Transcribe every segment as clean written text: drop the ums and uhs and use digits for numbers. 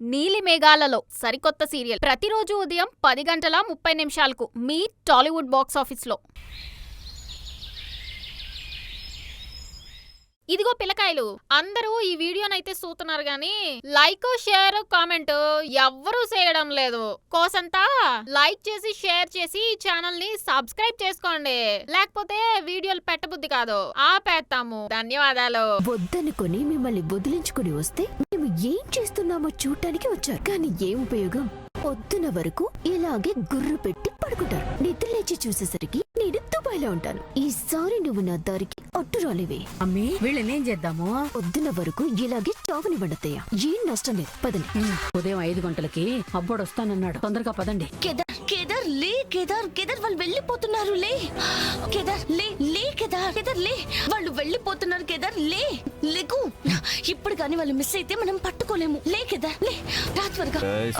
నీలి మేఘాలలో సరికొత్త సీరియల్ ప్రతిరోజు ఉదయం 10:30 మీ టాలీవుడ్ బాక్స్ ఆఫీస్లో. ఇదిగో పిల్లకాయలు, అందరూ ఈ వీడియోనైతే చూస్తున్నారు గాని లైక్, షేర్, కామెంట్ ఎవ్వరూ చేయడం లేదు. కోసంతా లైక్ చేసి షేర్ చేసి ఈ ఛానల్ ని సబ్స్క్రైబ్ చేసుకోండి, లేకపోతే వీడియోలు పెట్టబుద్ధి కాదు, ఆపేస్తాము. ధన్యవాదాలు. వద్దనుకొని మిమ్మల్ని వదిలించుకుని వస్తే మేము ఏం చేస్తున్నామో చూడటానికి వచ్చారు, కానీ ఏం ఉపయోగం? పొద్దున వరకు ఇలాగే గుర్రు పెట్టి పడుకుంటారు. నిద్ర లేచి చూసేసరికి నేను దుబాయ్లో ఉంటాను. ఈసారి నువ్వు నా దారికి అడ్డు రాలేవే. అమ్మీ, వీళ్ళనేం చేద్దాము? పొద్దున వరకు ఇలాగే చావుని వండుతాయా? ఏం నష్టం లేదు, పదండి. ఉదయం 5 గంటలకి అబ్బోడు వస్తానన్నాడు, తొందరగా పదండి. కేదార్ లే, కేదార్ వాళ్ళు వెళ్ళిపోతున్నారు. లే కేదార్, లే లే కేదార్, లే వాళ్ళు వెళ్ళిపోతున్నారు. కేదార్ లేకు, ఇప్పుడు కానీ వాళ్ళు మిస్ అయితే మనం పట్టుకోలేము. లే కేదార్, లే రా త్వరగా.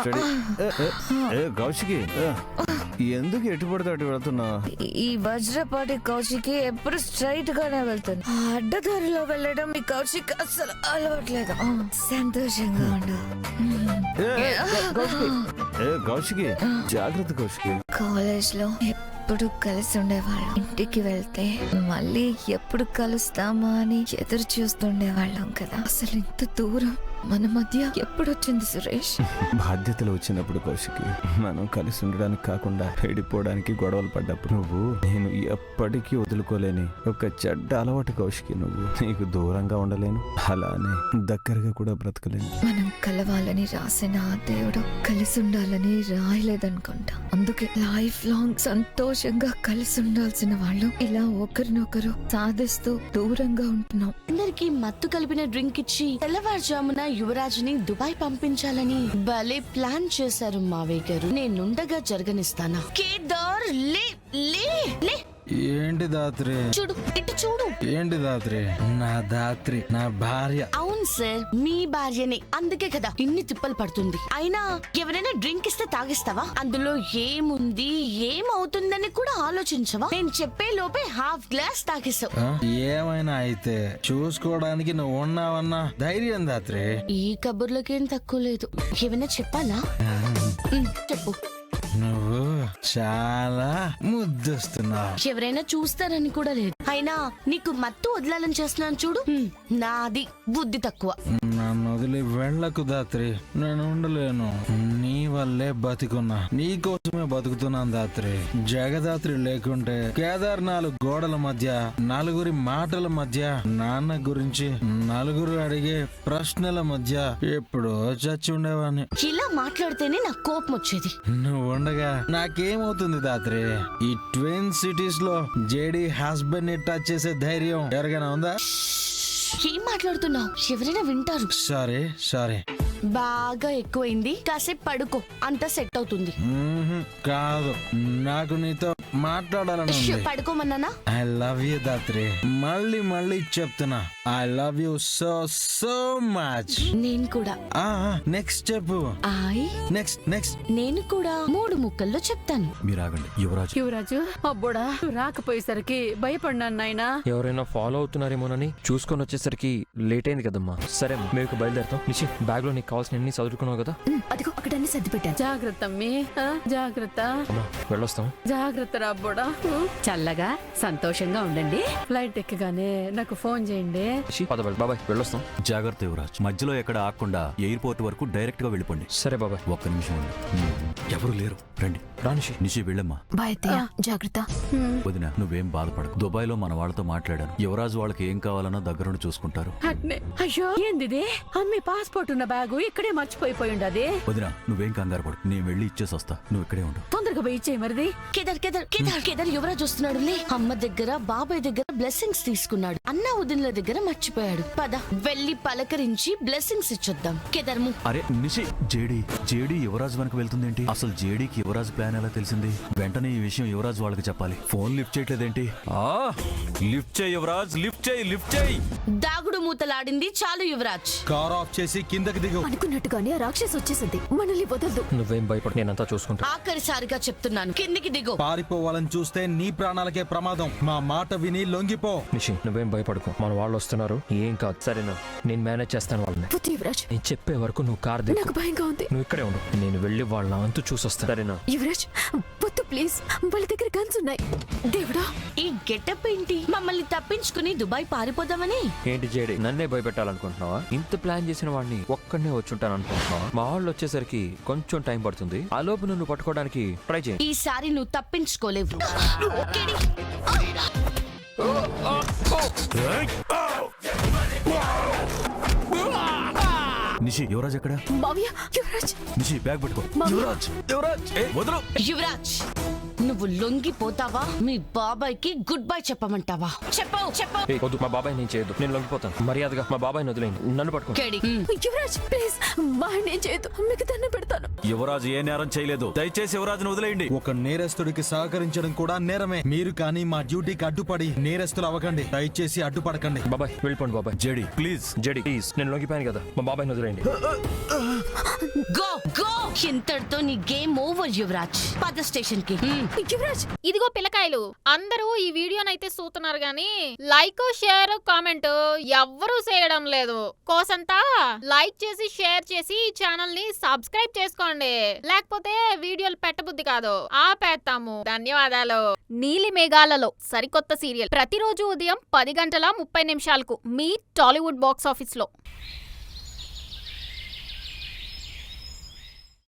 కౌశికి, ఎందుకు ఎటు పడితే అటు వెళ్తున్నా? ఈ వజ్రపాటి కౌశికి ఎప్పుడు స్ట్రైట్ గానే వెళ్తాను. అడ్డదారిలో వెళ్ళడం ఈ కౌశిక్ అసలు అలవాట్లేదు. సంతోషంగా ఉండు. కౌశికి, జాగ్రత్త కౌశికి. కాలేజ్ లో ఎప్పుడు కలిసి ఉండేవాళ్ళం. ఇంటికి వెళ్తే మళ్ళీ ఎప్పుడు కలుస్తామా అని ఎదురు చూస్తుండేవాళ్ళం కదా. అసలు ఇంత దూరం మన మధ్య ఎప్పుడొచ్చింది సురేష్? బాధ్యతలు వచ్చినప్పుడు కౌశికి, మనం కలిసి ఉండడానికి కాకుండా వెళ్ళిపోవడానికి గొడవలు పడ్డప్పుడు నువ్వు నేను ఎప్పటికీ వదులుకోలేని ఒక చెడ్డ అలవాటు కౌశికి. నువ్వు నీకు దూరంగా ఉండలేను, అలానే దగ్గరగా కూడా బ్రతకలేను. మనం కలవాలని రాసిన ఆ దేవుడు కలిసి ఉండాలని రాయలేదనుకుంటా. అందుకే లైఫ్ లాంగ్ సంతోషంగా కలిసి ఉండాల్సిన వాళ్ళు ఇలా ఒకరినొకరు సాధిస్తూ దూరంగా ఉంటున్నాం. అందరికి మత్తు కలిపిన డ్రింక్ ఇచ్చి తెల్లవారుజామున యువరాజుని దుబాయ్ పంపించాలని భలే ప్లాన్ చేశారు మావయ్య గారు. నేనుండగా జరగనిస్తానా? కేదార్ లే లే లే. ఏంటి దాత్రి? చూడు, ఇటు చూడు. ఏంటి దాత్రి? నా దాత్రి నా భార్య. అవును సార్, మీ భార్యనే. అందుకే కదా ఇన్ని తిప్పలు పడుతుంది. అయినా ఎవరైనా డ్రింక్ ఇస్తే తాగిస్తావా? అందులో ఏముంది, ఏమవుతుందని కూడా ఆలోచించవా? నేను చెప్పే లోపే హాఫ్ గ్లాస్ తాగేసావు. ఏమైనా అయితే చూసుకోవడానికి నువ్వు ఉన్నావన్నా ధైర్యం దాత్రి. ఈ కబుర్లకేం తక్కువ లేదు. ఏమైనా చెప్పాలా? చెప్పు. నువ్వు చాలా ముద్దొస్తున్నావు. ఎవరైనా చూస్తారని కూడా లేదు. అయినా నీకు మత్తు వదలాలని చేస్తున్నాను చూడు. నాది బుద్ధి తక్కువ. నన్ను వదిలి వెళ్ళకు దాత్రి, నేను ఉండలేను. నీ వల్లే బతికున్నా, నీ కోసమే బతుకుతున్నాను దాత్రి. జగదాత్రి లేకుంటే కేదార్ 4 గోడల మధ్య, నలుగురి మాటల మధ్య, నాన్న గురించి నలుగురు అడిగే ప్రశ్నల మధ్య ఎప్పుడో చచ్చి ఉండేవాడిని. ఇలా మాట్లాడితేనే నాకు కోపం వచ్చేది. నువ్వు ఉండగా నాకేమవుతుంది దాత్రి? ఈ ట్విన్ సిటీస్ లో జేడీ హస్బెండ్ ని టచ్ చేసే ధైర్యం ఎవరికైనా ఉందా? ఏం మాట్లాడుతున్నావు? ఎవరైనా వింటారు. సరే బాగా ఎక్కువైంది, కాసేపు పడుకో, అంతా సెట్ అవుతుంది. కాదు, నాకు నీతో మాట్లాడాలని ఉంది. పడుకోమన్నానా? I love you Dhatri. మళ్ళీ చెప్తున్నా, I love you so so much. నేను కూడా. నెక్స్ట్ చెప్పు. నెక్స్ట్ నేను కూడా 3 ముక్కల్లో చెప్తాను. మీరాగండి. యువరాజు, అబ్బోడా రాకపోయేసరికి భయపడినాను నాయనా. ఎవరైనా ఫాలో అవుతున్నారేమోనని చూసుకొని వచ్చేసరికి లేట్ అయింది కదమ్మా. సరే మేము బయలుదేరుతాం. నిషి, బ్యాగ్ లో నీకు కావాల్సిన అన్ని చదువుకున్నావు కదా? అదిగో అక్కడ అన్ని సర్ది పెట్టాను. జాగ్రత్త అమ్మీ, జాగ్రత్త. వెళ్ళొస్తాం. జాగ్రత్త రా అబ్బోడా. చల్లగా సంతోషంగా ఉండండి. ఫ్లైట్ ఎక్కగానే నాకు ఫోన్ చేయండి. బాబాయ్, వెళ్ళొస్తాం. జాగ్రత్త యువరాజ్, మధ్యలో ఎక్కడ ఆగకుండా ఎయిర్పోర్ట్ వరకు డైరెక్ట్ గా వెళ్ళిపోండి. సరే బాబాయ్. ఒక్క నిమిషం ఉండు. ఎవరు లేరు, రండి. నిషి వెళ్ళమ్మా. బాయ్ అత్తయ్య, జాగ్రత్త. వదిన, నువ్వేం బాధపడకు. దుబాయ్ లో మన వాళ్ళతో మాట్లాడాను. యువరాజు వాళ్ళకి ఏం కావాలన్నా దగ్గరుండి చూసుకుంటారు. అయ్యో, ఏంది అమ్మి పాస్పోర్ట్ ఉన్న బ్యాగు ఇక్కడే మర్చిపోయి ఉండదు. వదిన, నువ్వేం కంగారు పడు, నేను వెళ్ళి ఇచ్చేసి వస్తా. నువ్వు ఇక్కడే ఉండు. తొందరగా పోయి ఇచ్చేయి మరిది. కేదార్ యువరాజ్ వస్తున్నాడు. లే. అమ్మ దగ్గర, బాబాయ్ దగ్గర బ్లెస్సింగ్స్ తీసుకున్నాడు. అన్న వదినల దగ్గర మర్చిపోయాడు. పద వెళ్ళి పలకరించి బ్లెస్సింగ్స్ ఇచ్చొద్దాం. కేదార్ ము. అరే నిషి, జేడీ యువరాజు వెనక వెళ్తుందేంటి? అసలు జేడీకి యువరాజు ప్లాన్ ఎలా తెలిసింది? వెంటనే ఈ విషయం యువరాజు వాళ్ళకి చెప్పాలి. Phone lift చేయట్లేదేంటి? లిఫ్ట్ చేయి యువరాజ్, లిఫ్ట్ చేయి. దాగుడు మూతలాడింది చాలు యువరాజ్. కార్ ఆఫ్ చేసి కిందకి దిగు. అనుకున్నట్టుగానే ఆ రాక్షసి వచ్చేసింది, మనల్ని వదలదు. నువ్వేం భయపడు, నేనంతా చూసుకుంటా. ఆఖరిసారిగా చెప్తున్నాను, కిందికి దిగు. పారిపోవాలని చూస్తే నీ ప్రాణాలకే ప్రమాదం. మా మాట విని లొంగిపో. నిషి నువ్వేం భయపడకు, మన వాళ్ళు వస్తున్నారు, ఏం కాదు సరేనా? నేను మేనేజ్ చేస్తాను వాళ్ళని. వద్దు యువరాజ్, నేను చెప్పే వరకు నువ్వు కార్ దిగు. నాకు భయంగా ఉంది. నువ్వు ఇక్కడే ఉండు, నేను వెళ్ళి వాళ్ళ అంతు చూసొస్తాను సరేనా? యువరాజ్ వద్దు ప్లీజ్, వాళ్ళ దగ్గర గన్స్ ఉన్నాయి. దేవుడా, ఈ గెటప్ ఏంటి? మమ్మల్ని తప్పించుకుని దుబాయ్ పారిపోదామని? ఏంటి జేడి, నన్నే భయపెట్టాలనుకుంటున్నావా? ఇంత ప్లాన్ చేసిన వాడిని ఒక్కడనే వచ్చుంటాను అనుకుంటున్నావా? మా వాళ్ళు వచ్చేసరికి కొంచెం టైం పడుతుంది, ఆ లోపు నువ్వు పట్టుకోవడానికి ట్రై చేయి. ఈసారి నువ్వు తప్పించుకోలేవు. ఓకేడి? నిషి యువరాజ్ ఎక్కడ? మావయ్య, యువరాజ్ నిషి బ్యాగ్ పట్టుకో. యువరాజ్ యువరాజ్ వదలు. యువరాజ్, నువ్వు లొంగిపోతావా? మీ బాబాయ్కి గుడ్ బై చెప్పమంటావా? చెప్పు. ఏయ్, వద్దు, మా బాబాయ్ నేను చేయొద్దు, నేను లొంగిపోతాను. మర్యాదగా మా బాబాయ్ వదిలేండి, నన్ను పట్టుకో. కేడి. యువరాజ్ ప్లీజ్, వాడిని ఏం చేయొద్దు, మీకు దండం పెడతాను. యువరాజ్ ఏ నేరం చేయలేదు, దయచేసి యువరాజ్ను వదిలేయండి. ఒక నేరస్తుడికి సహకరించడం కూడా నేరమే. మీరు కానీ మా డ్యూటీకి అడ్డుపడి నేరస్తులు అవ్వకండి. దయచేసి అడ్డుపడకండి. బాబాయ్ వెళ్ళిపోండి బాబాయ్. JD please. జేడి ప్లీజ్, నేను లొంగిపోయాను కదా, మా బాబాయ్ వదిలేండి. Go go. ఇంతటితో నీ గేమ్ ఓవర్ యువరాజ్. పద స్టేషన్ కి. యువరాజ్, ఇదిగో పిల్లకాయలు, అందరూ ఈ వీడియోనైతే చూస్తున్నారు గానీ లైక్ షేర్ కామెంట్ ఎవ్వరూ చేయడం లేదు. కోసంతా లైక్ చేసి షేర్ చేసి ఈ ఛానల్ ని సబ్స్క్రైబ్ చేసుకోండి, లేకపోతే వీడియోలు పెట్టబుద్ధి కాదు, ఆపేస్తాము. ధన్యవాదాలు. నీలి మేఘాలలో సరికొత్త సీరియల్ ప్రతిరోజు ఉదయం 10 గంటల 30 నిమిషాలకు మీ టాలీవుడ్ బాక్స్ ఆఫీస్ లో.